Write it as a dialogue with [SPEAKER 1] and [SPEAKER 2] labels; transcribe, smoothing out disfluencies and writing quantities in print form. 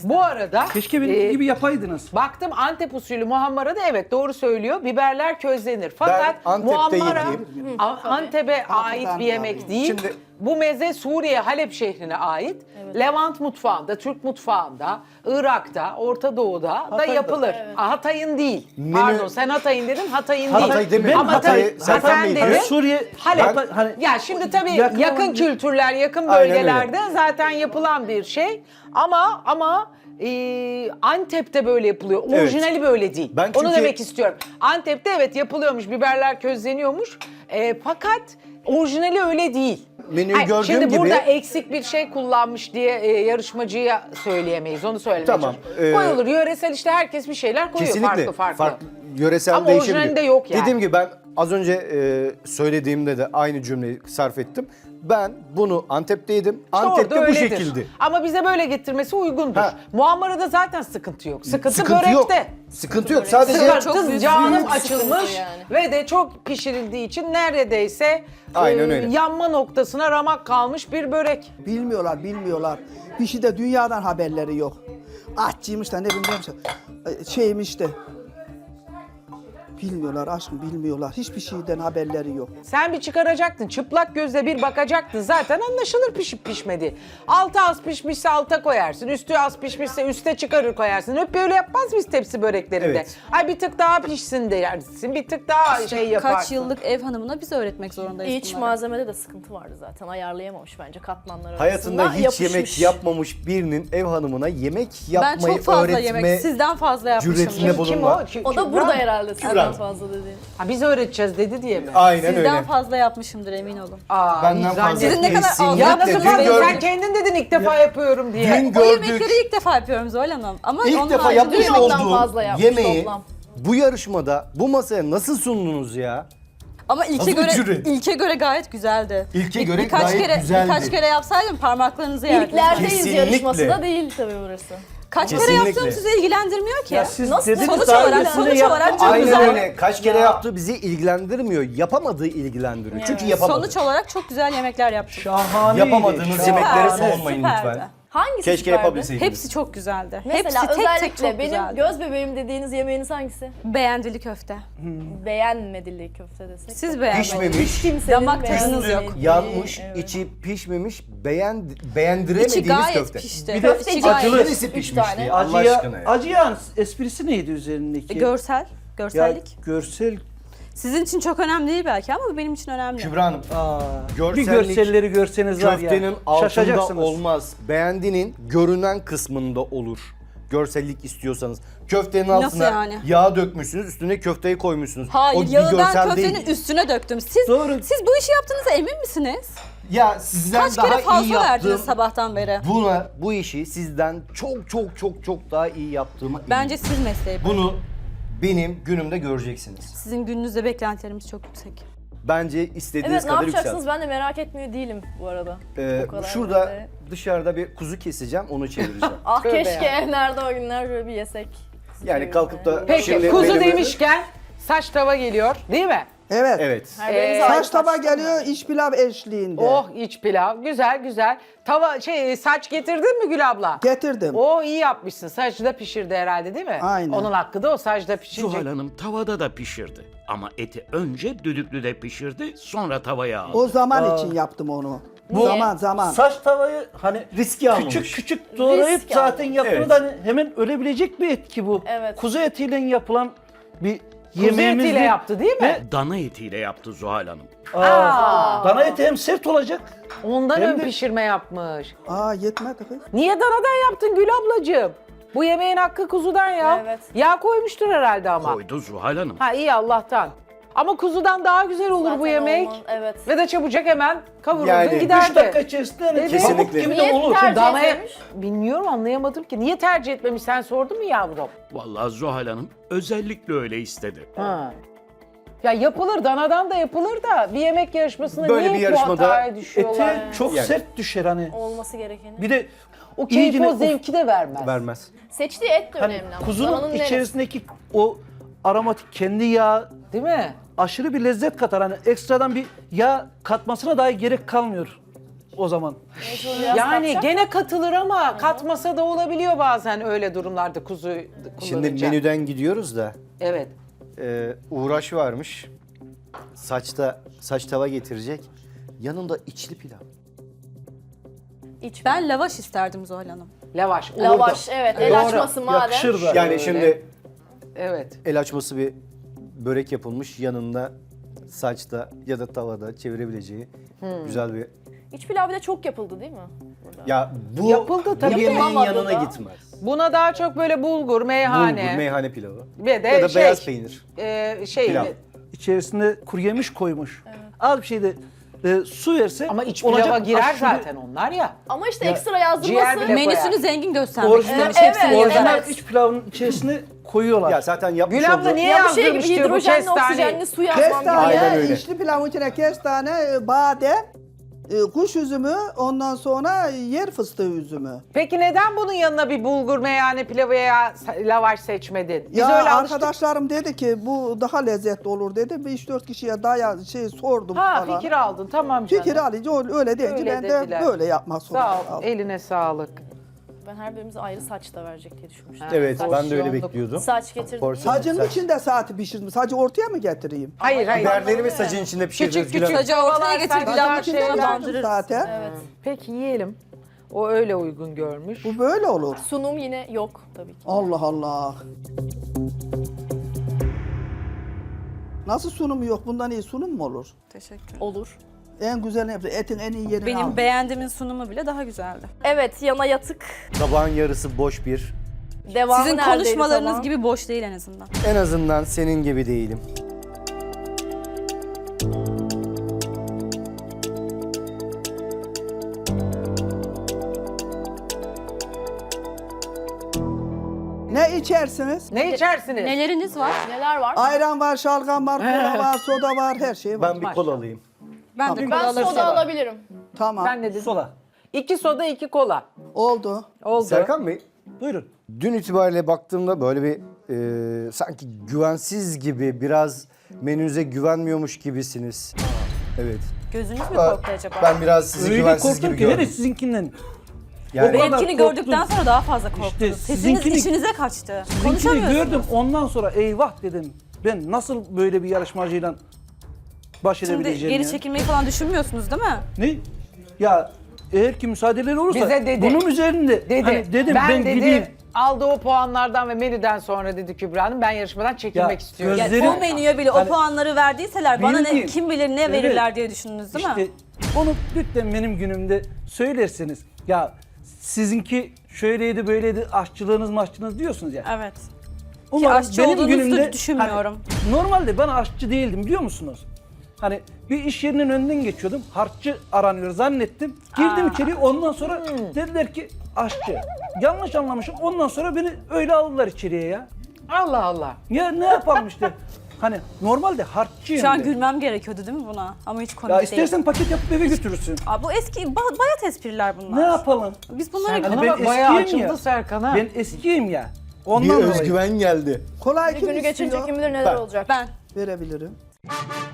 [SPEAKER 1] Bu arada
[SPEAKER 2] Keşke benim gibi yapaydınız.
[SPEAKER 1] baktım Antep usulü muhammara da evet doğru söylüyor. Biberler közlenir. Fakat
[SPEAKER 3] Antep'teyim
[SPEAKER 1] muhammara
[SPEAKER 3] diyeyim.
[SPEAKER 1] Antep'e ait bir yemek değil.
[SPEAKER 3] Şimdi-
[SPEAKER 1] Bu meze Suriye Halep şehrine ait. Levant mutfağında, Türk mutfağında, Irak'ta, Orta Doğu'da da
[SPEAKER 2] Hatay'da.
[SPEAKER 1] yapılır. Hatay'ın değil.
[SPEAKER 3] Menü-
[SPEAKER 1] Pardon sen Hatay'ın dedin, Hatay'ın
[SPEAKER 3] Hatay
[SPEAKER 1] değil.
[SPEAKER 3] demedim.
[SPEAKER 1] Ama
[SPEAKER 3] Hatay-
[SPEAKER 1] tabii
[SPEAKER 3] Serkan
[SPEAKER 1] sen
[SPEAKER 3] Bey
[SPEAKER 1] dedin.
[SPEAKER 3] diyor.
[SPEAKER 2] Suriye,
[SPEAKER 1] Halep.
[SPEAKER 2] hani
[SPEAKER 1] Ya şimdi tabii
[SPEAKER 2] yakın
[SPEAKER 1] yakın
[SPEAKER 2] olan-
[SPEAKER 1] kültürler, yakın
[SPEAKER 3] Aynen öyle.
[SPEAKER 1] bölgelerde zaten yapılan bir şey. Ama Antep'te böyle yapılıyor.
[SPEAKER 3] Evet.
[SPEAKER 1] Orijinali böyle değil.
[SPEAKER 3] Ben
[SPEAKER 1] Onu
[SPEAKER 3] çünkü-
[SPEAKER 1] demek istiyorum. Antep'te evet yapılıyormuş, biberler közleniyormuş. Fakat orijinali öyle değil.
[SPEAKER 3] Menüyü
[SPEAKER 1] Hayır,
[SPEAKER 3] gördüğüm
[SPEAKER 1] şimdi
[SPEAKER 3] gibi-
[SPEAKER 1] burada eksik bir şey kullanmış diye yarışmacıya söyleyemeyiz. Onu söylemeye
[SPEAKER 3] Tamam,
[SPEAKER 1] çalışıyorum. Koyulur. Yöresel işte herkes bir şeyler koyuyor
[SPEAKER 3] Kesinlikle
[SPEAKER 1] farklı.
[SPEAKER 3] yöresel
[SPEAKER 1] Ama
[SPEAKER 3] değişebilir.
[SPEAKER 1] orijinalinde yok yani.
[SPEAKER 3] Dediğim gibi ben az önce söylediğimde de aynı cümleyi sarf ettim. Ben bunu Antep'teydim.
[SPEAKER 1] İşte
[SPEAKER 3] Antep'te
[SPEAKER 1] orada
[SPEAKER 3] bu
[SPEAKER 1] öyledir.
[SPEAKER 3] şekilde.
[SPEAKER 1] Ama bize böyle getirmesi uygundur.
[SPEAKER 3] Ha.
[SPEAKER 1] Muammarada zaten sıkıntı yok. Sıkıntı
[SPEAKER 3] Sıkıntı
[SPEAKER 1] börekte.
[SPEAKER 3] yok. Sıkıntı yok. Sadece
[SPEAKER 1] Sıkıntı canım açılmış
[SPEAKER 4] sıkıntı yani.
[SPEAKER 1] ve de çok pişirildiği için neredeyse
[SPEAKER 3] Aynen öyle.
[SPEAKER 1] yanma noktasına ramak kalmış bir börek.
[SPEAKER 5] Bilmiyorlar. Bir şey de dünyadan haberleri yok. Aşçıymış da ne bileyim şeymiş de. Bilmiyorlar aşkım bilmiyorlar. Hiçbir şeyden haberleri yok.
[SPEAKER 1] Sen bir çıkaracaktın. Çıplak gözle bir bakacaktın. Zaten anlaşılır pişip pişmedi. Altı az pişmişse alta koyarsın. Üstü az pişmişse üste çıkarır koyarsın. Hep böyle yapmaz mıyız tepsi böreklerinde?
[SPEAKER 3] Evet.
[SPEAKER 1] Ay bir tık daha pişsin dersin. Bir tık daha şey yaparsın.
[SPEAKER 4] Kaç yıllık ev hanımına biz öğretmek zorundayız
[SPEAKER 6] İç
[SPEAKER 4] bunları.
[SPEAKER 6] malzemede de sıkıntı vardı zaten. Ayarlayamamış bence katmanlar
[SPEAKER 3] hayatında
[SPEAKER 6] arasında.
[SPEAKER 3] hiç yemek yapmamış birinin ev hanımına yemek
[SPEAKER 4] Ben
[SPEAKER 3] yapmayı
[SPEAKER 4] çok fazla
[SPEAKER 3] öğretme
[SPEAKER 4] yemek, sizden fazla
[SPEAKER 3] cüretinde
[SPEAKER 4] yapmışımdır.
[SPEAKER 3] bulunma.
[SPEAKER 1] Kim
[SPEAKER 6] O da
[SPEAKER 1] Kübra
[SPEAKER 6] burada
[SPEAKER 1] mı?
[SPEAKER 6] herhalde
[SPEAKER 3] Kübra.
[SPEAKER 6] sizden fazla dediğin.
[SPEAKER 1] Ha, biz öğreteceğiz dedi diye mi?
[SPEAKER 3] Aynen
[SPEAKER 4] Sizden
[SPEAKER 3] öyle.
[SPEAKER 4] fazla yapmışımdır emin olun.
[SPEAKER 1] Aa,
[SPEAKER 3] Benden
[SPEAKER 1] hiç
[SPEAKER 3] fazla.
[SPEAKER 1] zannetmiyorum.
[SPEAKER 4] Sizin ne kadar
[SPEAKER 3] Kesinlikle.
[SPEAKER 1] Ya nasıl
[SPEAKER 3] Dün
[SPEAKER 1] fazla? Sen
[SPEAKER 3] gördük.
[SPEAKER 1] kendin dedin ilk defa yapıyorum diye.
[SPEAKER 3] Dün
[SPEAKER 4] O
[SPEAKER 3] gördük.
[SPEAKER 4] yemekleri ilk defa yapıyorum Zuhal Hanım. Ama
[SPEAKER 3] İlk
[SPEAKER 4] onun
[SPEAKER 3] defa
[SPEAKER 4] haricinde
[SPEAKER 3] yapmış
[SPEAKER 6] Dün ondan
[SPEAKER 3] olduğum
[SPEAKER 6] fazla yapmış
[SPEAKER 3] yemeği
[SPEAKER 6] toplam.
[SPEAKER 3] bu yarışmada bu masaya nasıl sundunuz ya?
[SPEAKER 4] Ama
[SPEAKER 3] Nasıl bir cüret?
[SPEAKER 4] ilke göre gayet güzeldi.
[SPEAKER 3] İlke göre
[SPEAKER 4] birkaç
[SPEAKER 3] gayet
[SPEAKER 4] kere,
[SPEAKER 3] güzeldi.
[SPEAKER 4] Birkaç kere yapsaydım parmaklarınızı yerdiniz.
[SPEAKER 6] İlklerdeyiz
[SPEAKER 3] Kesinlikle.
[SPEAKER 6] yarışması da değil tabii burası.
[SPEAKER 4] Kaç kere
[SPEAKER 3] Kesinlikle.
[SPEAKER 4] yaptığım sizi ilgilendirmiyor ki.
[SPEAKER 2] ya siz
[SPEAKER 6] Nasıl?
[SPEAKER 2] dediniz
[SPEAKER 4] Sonuç
[SPEAKER 2] daha
[SPEAKER 4] olarak-
[SPEAKER 2] öncesinde
[SPEAKER 4] sonuç olarak çok
[SPEAKER 3] Aynen
[SPEAKER 4] güzel.
[SPEAKER 3] öyle. Kaç kere yaptığı bizi ilgilendirmiyor. Yapamadığı ilgilendiriyor. Çünkü yapamadı.
[SPEAKER 4] Sonuç olarak çok güzel yemekler yaptım.
[SPEAKER 2] Şahaneydi.
[SPEAKER 3] Yapamadığınız
[SPEAKER 2] Şahane.
[SPEAKER 3] yemeklere
[SPEAKER 4] Süperdi,
[SPEAKER 3] savunmayın
[SPEAKER 4] süperdi.
[SPEAKER 3] lütfen.
[SPEAKER 6] Hangisi
[SPEAKER 3] Keşke
[SPEAKER 6] süperdi?
[SPEAKER 3] yapabilseydiniz.
[SPEAKER 4] Hepsi çok güzeldi.
[SPEAKER 6] Mesela
[SPEAKER 4] Hepsi tek
[SPEAKER 6] özellikle
[SPEAKER 4] tek çok
[SPEAKER 6] benim
[SPEAKER 4] güzeldi.
[SPEAKER 6] göz bebeğim dediğiniz yemeğiniz hangisi?
[SPEAKER 4] Beğendili köfte.
[SPEAKER 6] Beğenmedili köfte desek.
[SPEAKER 4] Siz beğenmediniz.
[SPEAKER 3] Pişmemiş,
[SPEAKER 6] Kimsenin
[SPEAKER 4] Damak tadınız
[SPEAKER 6] beğenmediği.
[SPEAKER 4] yok.
[SPEAKER 3] yanmış,
[SPEAKER 6] Evet.
[SPEAKER 3] içi pişmemiş,
[SPEAKER 4] İçi
[SPEAKER 3] beğendiremediğiniz
[SPEAKER 4] gayet
[SPEAKER 3] köfte.
[SPEAKER 4] pişti.
[SPEAKER 2] Bir de
[SPEAKER 4] İçi
[SPEAKER 6] acılı.
[SPEAKER 4] gayet
[SPEAKER 3] Neresi
[SPEAKER 6] Üç
[SPEAKER 3] pişmiş
[SPEAKER 6] tane.
[SPEAKER 3] diye Allah
[SPEAKER 2] Acıya,
[SPEAKER 3] aşkına ya.
[SPEAKER 2] acıyan esprisi neydi üzerindeki?
[SPEAKER 4] Görsel.
[SPEAKER 2] Ya,
[SPEAKER 4] Görsellik.
[SPEAKER 2] görsel.
[SPEAKER 4] Sizin için çok önemli değil belki ama bu benim için önemli.
[SPEAKER 3] Kübra Hanım,
[SPEAKER 2] Aa, bir
[SPEAKER 3] Görsellik,
[SPEAKER 2] görselleri görseniz var ya.
[SPEAKER 3] köftenin altında
[SPEAKER 2] şaşacaksınız.
[SPEAKER 3] olmaz. Beğendinin görünen kısmında olur. Görsellik istiyorsanız. Köftenin altına
[SPEAKER 4] yani?
[SPEAKER 3] yağ dökmüşsünüz, üstüne köfteyi koymuşsunuz.
[SPEAKER 4] Hayır,
[SPEAKER 3] o bir
[SPEAKER 4] yağı ben
[SPEAKER 3] görsel
[SPEAKER 4] köftenin
[SPEAKER 3] değil.
[SPEAKER 4] üstüne döktüm. Siz
[SPEAKER 2] Doğru.
[SPEAKER 4] siz bu işi yaptığınıza emin misiniz?
[SPEAKER 3] Ya sizden
[SPEAKER 4] Kaç
[SPEAKER 3] daha
[SPEAKER 4] kere
[SPEAKER 3] iyi
[SPEAKER 4] fazla verdiniz
[SPEAKER 3] yaptığım,
[SPEAKER 4] sabahtan beri?
[SPEAKER 3] bu işi sizden çok daha iyi yaptığıma
[SPEAKER 4] Bence
[SPEAKER 3] eminim.
[SPEAKER 4] siz mesleği bırakın.
[SPEAKER 3] Bunu benim günümde göreceksiniz.
[SPEAKER 4] Sizin gününüzde beklentilerimiz çok yüksek.
[SPEAKER 3] Bence istediğiniz
[SPEAKER 6] Evet ne
[SPEAKER 3] kadar
[SPEAKER 6] yapacaksınız
[SPEAKER 3] yükselt.
[SPEAKER 6] ben de merak etmiyor değilim bu arada. O kadar
[SPEAKER 3] Şurada
[SPEAKER 6] böyle.
[SPEAKER 3] dışarıda bir kuzu keseceğim, onu çevireceğim.
[SPEAKER 6] Ah
[SPEAKER 1] Tövbe
[SPEAKER 6] keşke nerede o günler böyle bir yesek.
[SPEAKER 3] Yani kalkıp da
[SPEAKER 1] Peki
[SPEAKER 3] şimdi
[SPEAKER 1] kuzu
[SPEAKER 3] benim-
[SPEAKER 1] demişken saç tava geliyor değil mi?
[SPEAKER 5] Evet.
[SPEAKER 3] Evet.
[SPEAKER 6] Her biriniz ayrı
[SPEAKER 5] Saç tava
[SPEAKER 6] saçlı mı?
[SPEAKER 5] geliyor iç pilav eşliğinde.
[SPEAKER 1] Oh iç pilav güzel güzel. Tava saç getirdin mi Gül abla?
[SPEAKER 5] Getirdim.
[SPEAKER 1] O iyi yapmışsın. Saçı da pişirdi herhalde değil mi?
[SPEAKER 5] Aynen.
[SPEAKER 1] Onun hakkı da o saçta pişirecek.
[SPEAKER 7] Zuhal Hanım tavada da pişirdi. Ama eti önce düdüklüde pişirdi, sonra tavaya aldı.
[SPEAKER 5] O zaman için yaptım onu.
[SPEAKER 6] Niye?
[SPEAKER 5] Zaman.
[SPEAKER 2] Saç tavayı hani
[SPEAKER 3] Riski almamış.
[SPEAKER 2] küçük doğrayıp
[SPEAKER 6] Risk
[SPEAKER 2] zaten
[SPEAKER 6] almamış.
[SPEAKER 2] yapılır
[SPEAKER 3] Evet.
[SPEAKER 2] da hani hemen ölebilecek bir et ki bu.
[SPEAKER 6] Evet.
[SPEAKER 2] Kuzu etiyle yapılan bir
[SPEAKER 1] Kuzu
[SPEAKER 2] yemeğimiz
[SPEAKER 1] etiyle
[SPEAKER 2] değil.
[SPEAKER 1] yaptı değil mi?
[SPEAKER 7] Dana etiyle yaptı Zuhal Hanım.
[SPEAKER 2] Dana eti hem sert olacak.
[SPEAKER 1] Ondan
[SPEAKER 2] Hem
[SPEAKER 1] ön
[SPEAKER 2] de-
[SPEAKER 1] pişirme yapmış.
[SPEAKER 5] Yetmedi kız.
[SPEAKER 1] Niye danadan yaptın Gül ablacığım? Bu yemeğin hakkı kuzudan ya.
[SPEAKER 6] Evet.
[SPEAKER 1] Yağ koymuştur herhalde ama.
[SPEAKER 7] Koydu Zuhal Hanım.
[SPEAKER 1] Ha iyi Allah'tan. Ama kuzudan daha güzel olur bu
[SPEAKER 6] Zaten
[SPEAKER 1] yemek.
[SPEAKER 6] olmaz, evet.
[SPEAKER 1] Ve de çabucak hemen kavururdun
[SPEAKER 3] Yani
[SPEAKER 2] 3
[SPEAKER 1] giderdi.
[SPEAKER 2] dakika içerisinde hani
[SPEAKER 1] Kesinlikle.
[SPEAKER 2] pamuk gibi de
[SPEAKER 6] Niye
[SPEAKER 2] olur.
[SPEAKER 6] tercih
[SPEAKER 1] Danaya...
[SPEAKER 6] etmemiş?
[SPEAKER 1] Bilmiyorum anlayamadım ki. Niye tercih etmemiş sen sordun mu yavrum?
[SPEAKER 7] Vallahi Zuhal Hanım özellikle öyle istedi.
[SPEAKER 1] Ha. Ya yapılır, danadan da yapılır da bir yemek yarışmasında
[SPEAKER 3] Böyle
[SPEAKER 1] niye
[SPEAKER 3] bir yarışmada
[SPEAKER 1] bu hataya düşüyorlar?
[SPEAKER 2] Eti çok
[SPEAKER 3] Yani.
[SPEAKER 2] sert düşer hani.
[SPEAKER 6] Olması gerekeni.
[SPEAKER 2] Bir de
[SPEAKER 1] O keyif
[SPEAKER 2] iyicine
[SPEAKER 1] o zevki de vermez.
[SPEAKER 3] Vermez.
[SPEAKER 6] Seçtiği et de
[SPEAKER 2] hani
[SPEAKER 6] önemli ama.
[SPEAKER 2] kuzunun
[SPEAKER 6] Dananın neresi?
[SPEAKER 2] içerisindeki o aromatik kendi yağ
[SPEAKER 1] Değil mi?
[SPEAKER 2] aşırı bir lezzet katar. Hani ekstradan bir yağ katmasına dahi gerek kalmıyor. o zaman.
[SPEAKER 6] Biraz
[SPEAKER 1] Yani
[SPEAKER 6] katacak.
[SPEAKER 1] gene katılır ama katmasa da olabiliyor bazen öyle durumlarda kuzu
[SPEAKER 3] Şimdi
[SPEAKER 1] kullanınca.
[SPEAKER 3] menüden gidiyoruz da
[SPEAKER 1] Evet.
[SPEAKER 3] uğraş varmış. Saç tava getirecek. Yanında içli pilav.
[SPEAKER 4] Ben lavaş isterdim Zuhal Hanım.
[SPEAKER 1] Lavaş. olurdu.
[SPEAKER 6] Lavaş evet el
[SPEAKER 1] Doğru.
[SPEAKER 6] açması madem.
[SPEAKER 2] Yakışır da.
[SPEAKER 3] Yani şimdi
[SPEAKER 1] Evet.
[SPEAKER 3] el açması bir börek yapılmış, yanında saçta ya da tavada çevirebileceği güzel bir...
[SPEAKER 6] İç pilav bir de çok yapıldı değil mi? Burada.
[SPEAKER 3] Ya bu,
[SPEAKER 1] Yapıldı tabii.
[SPEAKER 3] bu yemeğin
[SPEAKER 6] Yapılamadı
[SPEAKER 3] yanına
[SPEAKER 6] da.
[SPEAKER 3] gitmez.
[SPEAKER 1] Buna daha çok böyle bulgur, meyhane.
[SPEAKER 3] Bulgur, meyhane pilavı.
[SPEAKER 1] Ve de
[SPEAKER 3] Ya da
[SPEAKER 1] şey,
[SPEAKER 3] beyaz peynir.
[SPEAKER 1] Şey,
[SPEAKER 3] Pilav.
[SPEAKER 2] İçerisinde kuru yemiş koymuş. Az bir şey de su verse
[SPEAKER 1] ama iç
[SPEAKER 2] olacak
[SPEAKER 1] pilava girer
[SPEAKER 2] aşure-
[SPEAKER 1] zaten onlar ya.
[SPEAKER 6] Ama işte
[SPEAKER 2] Ya,
[SPEAKER 6] ekstra
[SPEAKER 1] ciğer
[SPEAKER 6] yazdırması.
[SPEAKER 1] bile-
[SPEAKER 4] Menüsünü
[SPEAKER 1] koyar.
[SPEAKER 4] zengin göstermek
[SPEAKER 2] Orijinal,
[SPEAKER 4] istemiş.
[SPEAKER 6] Evet,
[SPEAKER 4] hepsini
[SPEAKER 6] evet.
[SPEAKER 2] orijinal
[SPEAKER 4] yazarız.
[SPEAKER 2] iç pilavın içerisine koyuyorlar.
[SPEAKER 3] Ya zaten yapmış
[SPEAKER 1] Gül abla
[SPEAKER 3] olduğu...
[SPEAKER 1] niye
[SPEAKER 6] Ya bu şey gibi
[SPEAKER 1] yazdırmış diyor bu
[SPEAKER 6] hidrojenli
[SPEAKER 1] kestane.
[SPEAKER 6] oksijenli su yazmam
[SPEAKER 3] Aynen
[SPEAKER 5] Kestane,
[SPEAKER 3] öyle.
[SPEAKER 5] içli pilavın içine kestane, badem, kuş üzümü, ondan sonra yer fıstığı üzümü.
[SPEAKER 1] Peki neden bunun yanına bir bulgur, meyhane pilavı veya lavaş seçmedin? Biz
[SPEAKER 5] Ya
[SPEAKER 1] öyle alıştık.
[SPEAKER 5] arkadaşlarım dedi ki bu daha lezzetli olur dedi. Bir 3-4 kişiye sordum
[SPEAKER 1] Ha
[SPEAKER 5] falan.
[SPEAKER 1] fikir aldın tamam canım.
[SPEAKER 5] Fikir alınca öyle deyince
[SPEAKER 1] Öyle
[SPEAKER 5] ben
[SPEAKER 1] dediler.
[SPEAKER 5] de böyle yapmak zorunda
[SPEAKER 1] Sağ ol.
[SPEAKER 5] kaldım.
[SPEAKER 1] Eline sağlık.
[SPEAKER 6] Ben her birimize ayrı saç da verecek diye düşünmüştüm.
[SPEAKER 3] Evet, ben de öyle
[SPEAKER 1] Porsiyonluk.
[SPEAKER 3] bekliyordum.
[SPEAKER 6] Saç getirdim.
[SPEAKER 3] Porsiyon
[SPEAKER 5] Sacın
[SPEAKER 3] saç.
[SPEAKER 5] içinde saati pişirdim. Sacı ortaya mı getireyim?
[SPEAKER 1] Hayır hayır.
[SPEAKER 3] Biberleri mi sacın içinde pişirdiniz
[SPEAKER 1] Küçük
[SPEAKER 3] Gül
[SPEAKER 1] küçük.
[SPEAKER 3] Hanım?
[SPEAKER 4] Sacı ortaya getir,
[SPEAKER 1] Sacın
[SPEAKER 4] pilavın
[SPEAKER 1] içinde
[SPEAKER 4] içine
[SPEAKER 1] yaptım
[SPEAKER 4] bandırırız.
[SPEAKER 5] zaten.
[SPEAKER 6] Evet.
[SPEAKER 1] Peki yiyelim. O öyle uygun görmüş.
[SPEAKER 5] Bu böyle olur.
[SPEAKER 6] Sunum yine yok tabii ki.
[SPEAKER 5] Allah Allah. Nasıl sunumu yok? Bundan iyi sunum mu olur?
[SPEAKER 4] Teşekkür.
[SPEAKER 6] Olur.
[SPEAKER 5] En güzel etin en iyi yerini
[SPEAKER 4] Benim
[SPEAKER 5] al.
[SPEAKER 4] beğendiğimin sunumu bile daha güzeldi.
[SPEAKER 6] Evet yana yatık.
[SPEAKER 3] Tabağın yarısı boş bir.
[SPEAKER 6] Devamı
[SPEAKER 4] Sizin
[SPEAKER 6] neredeydi
[SPEAKER 4] konuşmalarınız
[SPEAKER 6] falan?
[SPEAKER 4] gibi boş değil en azından.
[SPEAKER 3] En azından senin gibi değilim.
[SPEAKER 5] Ne içersiniz?
[SPEAKER 1] Ne içersiniz?
[SPEAKER 4] Neleriniz var?
[SPEAKER 6] Neler var?
[SPEAKER 5] Ayran var, şalgam var, kola var, soda var, her şey var.
[SPEAKER 3] Ben bir kola alayım.
[SPEAKER 4] Ben de
[SPEAKER 6] Ben
[SPEAKER 4] kola alırım.
[SPEAKER 6] soda alabilirim.
[SPEAKER 5] Tamam.
[SPEAKER 1] Ben ne dedim?
[SPEAKER 2] Sola.
[SPEAKER 1] 2 soda 2 kola.
[SPEAKER 5] Oldu.
[SPEAKER 1] Oldu.
[SPEAKER 3] Serkan Bey,
[SPEAKER 2] Buyurun.
[SPEAKER 3] dün itibariyle baktığımda böyle bir sanki güvensiz gibi, biraz menünüze güvenmiyormuş gibisiniz. Evet.
[SPEAKER 4] Gözünüz mü korktu acaba?
[SPEAKER 3] Ben biraz sizi
[SPEAKER 2] Öyle
[SPEAKER 3] güvensiz
[SPEAKER 2] korktum
[SPEAKER 3] gibi
[SPEAKER 2] ki hele
[SPEAKER 3] gördüm.
[SPEAKER 2] sizinkinden.
[SPEAKER 3] Yani
[SPEAKER 2] O kadar
[SPEAKER 4] Benimkini
[SPEAKER 2] korktum.
[SPEAKER 4] gördükten sonra daha fazla korktunuz.
[SPEAKER 2] İşte
[SPEAKER 4] Sesiniz
[SPEAKER 2] sizinkini-
[SPEAKER 4] içinize kaçtı.
[SPEAKER 2] Sizinkini
[SPEAKER 4] Konuşamıyorsunuz.
[SPEAKER 2] gördüm ondan sonra eyvah dedim. Ben nasıl böyle bir yarışmacıyla baş
[SPEAKER 4] Şimdi
[SPEAKER 2] edebileceğim
[SPEAKER 4] geri
[SPEAKER 2] ya?
[SPEAKER 4] çekilmeyi falan düşünmüyorsunuz değil mi?
[SPEAKER 2] Ne? Ya eğer ki müsaadeleri olursa
[SPEAKER 1] Bize dedi.
[SPEAKER 2] bunun üzerinde
[SPEAKER 1] Dedi.
[SPEAKER 2] hani dedim ben
[SPEAKER 1] dedi,
[SPEAKER 2] gideyim.
[SPEAKER 1] aldığı o puanlardan ve menüden sonra dedi Kübra Hanım ben yarışmadan çekilmek
[SPEAKER 2] Ya,
[SPEAKER 1] istiyorum.
[SPEAKER 2] göz-
[SPEAKER 4] Ya,
[SPEAKER 2] Gözlerim-
[SPEAKER 4] o menüye bile o
[SPEAKER 2] Hani-
[SPEAKER 4] puanları verdiyseler bana ne
[SPEAKER 2] Bildiğim.
[SPEAKER 4] kim bilir ne verirler diye düşündünüz değil mi?
[SPEAKER 2] İşte onu lütfen benim günümde söylerseniz. Ya sizinki şöyleydi böyleydi aşçılığınız maşçılığınız diyorsunuz ya.
[SPEAKER 4] Evet.
[SPEAKER 2] Umarım
[SPEAKER 4] aşçı olduğunuzu da düşünmüyorum.
[SPEAKER 2] hani, normalde ben aşçı değildim biliyor musunuz? Hani bir iş yerinin önünden geçiyordum. Harççı aranıyor zannettim. Girdim içeri ondan sonra dediler ki aşçı. Yanlış anlamışım. Ondan sonra beni öyle aldılar içeriye ya.
[SPEAKER 1] Allah Allah.
[SPEAKER 2] Ya ne yapalım işte. Hani normalde harççıyım.
[SPEAKER 4] Şu an
[SPEAKER 2] de.
[SPEAKER 4] gülmem gerekiyordu değil mi buna? Ama hiç komik
[SPEAKER 2] Ya
[SPEAKER 4] değil.
[SPEAKER 2] istersen paket yapıp eve götürürsün.
[SPEAKER 4] Aa, bu eski bayat espriler bunlar.
[SPEAKER 2] Ne yapalım?
[SPEAKER 4] Biz bunları
[SPEAKER 1] Serkan'a
[SPEAKER 2] ben
[SPEAKER 1] bak bayağı
[SPEAKER 2] eskiyim
[SPEAKER 1] açıldı
[SPEAKER 2] ya.
[SPEAKER 1] Serkan'a.
[SPEAKER 2] Ben eskiyim ya.
[SPEAKER 3] bir
[SPEAKER 2] Ondan dolayı.
[SPEAKER 3] özgüven geldi.
[SPEAKER 5] Kolay
[SPEAKER 6] Bir
[SPEAKER 5] kim
[SPEAKER 6] günü geçince
[SPEAKER 5] istiyor?
[SPEAKER 6] kim bilir neler
[SPEAKER 3] Ben.
[SPEAKER 6] olacak.
[SPEAKER 4] ben
[SPEAKER 5] Verebilirim.